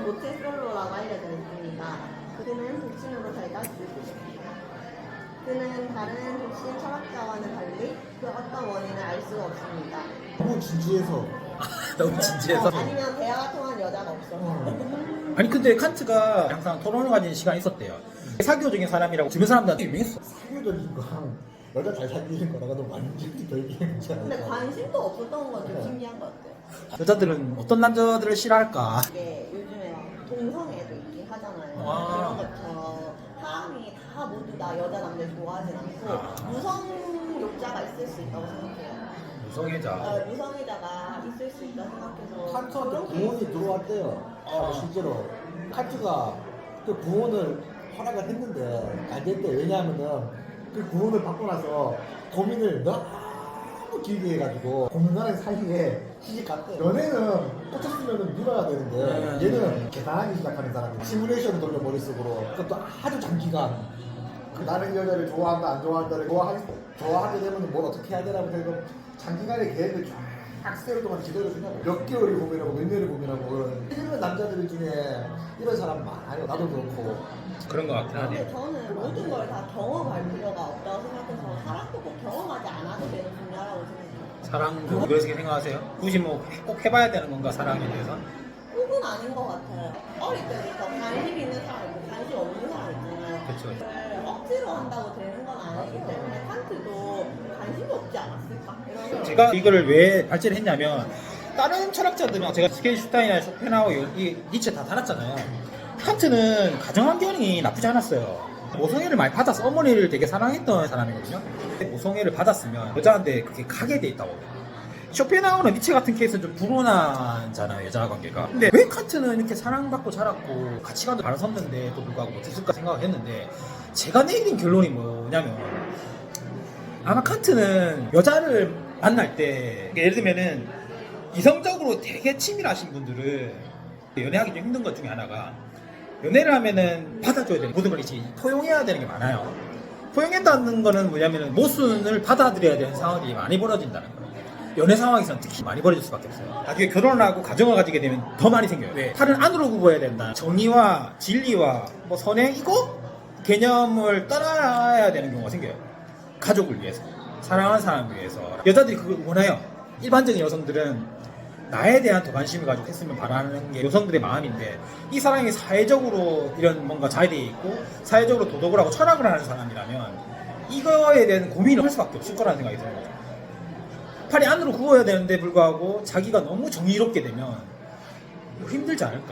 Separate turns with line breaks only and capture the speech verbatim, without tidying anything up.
모태솔로라고 알려져 있습니다. 그는 독신으로 살다 죽었습니다. 그는 다른 독신 철학자와는 달리 그 어떤 원인을 알 수가 없습니다.
너무 진지해서.
너무 진지해서.
어, 아니면 대화가 통한 여자가 없어서.
어.
아니 근데 칸트가 항상 토론을 가진 시간이 있었대요. 사교적인 사람이라고 주변 사람들한테 유명했어.
사교적인 거랑 여자 잘 사귀는 거랑은 완전히 별개의 문제
근데
아닐까.
관심도 없었던 건 좀
네.
신기한 것 같아요.
여자들은 어떤 남자들을 싫어할까?
이게 요즘에 막 동성애도 있긴 하잖아요.
아.
그런 것처럼 사람이 다 모두 다 여자 남자 좋아하진 않고 무성욕자가 있을 수 있다고 생각해요.
무성애자.
어, 무성애자가 있을 수 있다 생각해서
칸트한테 구원이 들어왔대요. 아, 실제로 칸트가 그 구원을 허락을 했는데 안 됐대. 왜냐하면은 그 구원을 받고 나서 고민을 너무 길게 해가지고 고민하는 사이에 시집 갔대. 연애는 꽂혔으면 밀어야 되는데 얘는 계산하기 시작하는 사람이 시뮬레이션을 돌려 머릿속으로. 그것도 아주 장기간. 그 나는 이 여자를 좋아한다 안 좋아한다를 좋아하, 좋아하게 되면 뭘 어떻게 해야 되라고 해서 장기간의 계획을 쫙 세월 동안 지도를 주냐고. 몇 개월이 고민하고 몇 년을 고민하고. 이런 남자들 중에 이런 사람 많아요. 나도 그렇고.
그런 것 같긴
근데
하네.
저는 모든 걸 다 경험할 필요가 없다고 생각해서 사랑도 꼭 경험하지 않아도 되는 분야라고 생각해요.
사랑도 그렇게 생각하세요? 굳이 뭐 꼭 해봐야 되는 건가 사랑에 대해서?
꼭은 아닌 것 같아요. 어릴 때부터 관심 있는 사람 있고 관심 없는 사람 있잖아요.
그쵸.
그걸 억지로 한다고 되는 건 아니기 때문에 칸트도 관심이 없지 않았을까? 이런 생각.
제가 이거를 왜 발제를 했냐면 다른 철학자들은 제가 스케인슈타인이나 쇼펜하우어 이 니체 다 달았잖아요. 칸트는 가정환경이 나쁘지 않았어요. 모성애를 많이 받아서 어머니를 되게 사랑했던 사람이거든요. 모성애를 받았으면 여자한테 그렇게 가게 돼 있다고. 쇼펜하우어나 니체 같은 케이스는 좀 불온하잖아요, 여자 관계가. 근데 왜 칸트는 이렇게 사랑받고 자랐고 가치관도 바라섰는데 또 불구하고 못했을까 생각을 했는데 제가 내린 결론이 뭐냐면 아마 칸트는 여자를 만날 때 예를 들면은 이성적으로 되게 치밀하신 분들은 연애하기 좀 힘든 것 중에 하나가 연애를 하면은 받아줘야 되는 모든 걸 이제 포용해야 되는 게 많아요. 포용한다는 거는 뭐냐면은 모순을 받아들여야 되는 상황이 많이 벌어진다는 거예요. 연애 상황에서는 특히 많이 벌어질 수밖에 없어요. 나중에 결혼을 하고 가정을 가지게 되면 더 많이 생겨요. 왜? 팔은 안으로 굽어야 된다. 정의와 진리와 뭐 선행 이거 개념을 떠나야 되는 경우가 생겨요. 가족을 위해서, 사랑하는 사람을 위해서. 여자들이 그걸 원해요. 일반적인 여성들은 나에 대한 더 관심을 가지고 했으면 바라는 게 여성들의 마음인데 이 사람이 사회적으로 이런 뭔가 자리에 있고 사회적으로 도덕을 하고 철학을 하는 사람이라면 이거에 대한 고민을 할 수밖에 없을 거라는 생각이 드는 거죠. 팔이 안으로 굽어야 되는데 불구하고 자기가 너무 정의롭게 되면 힘들지 않을까?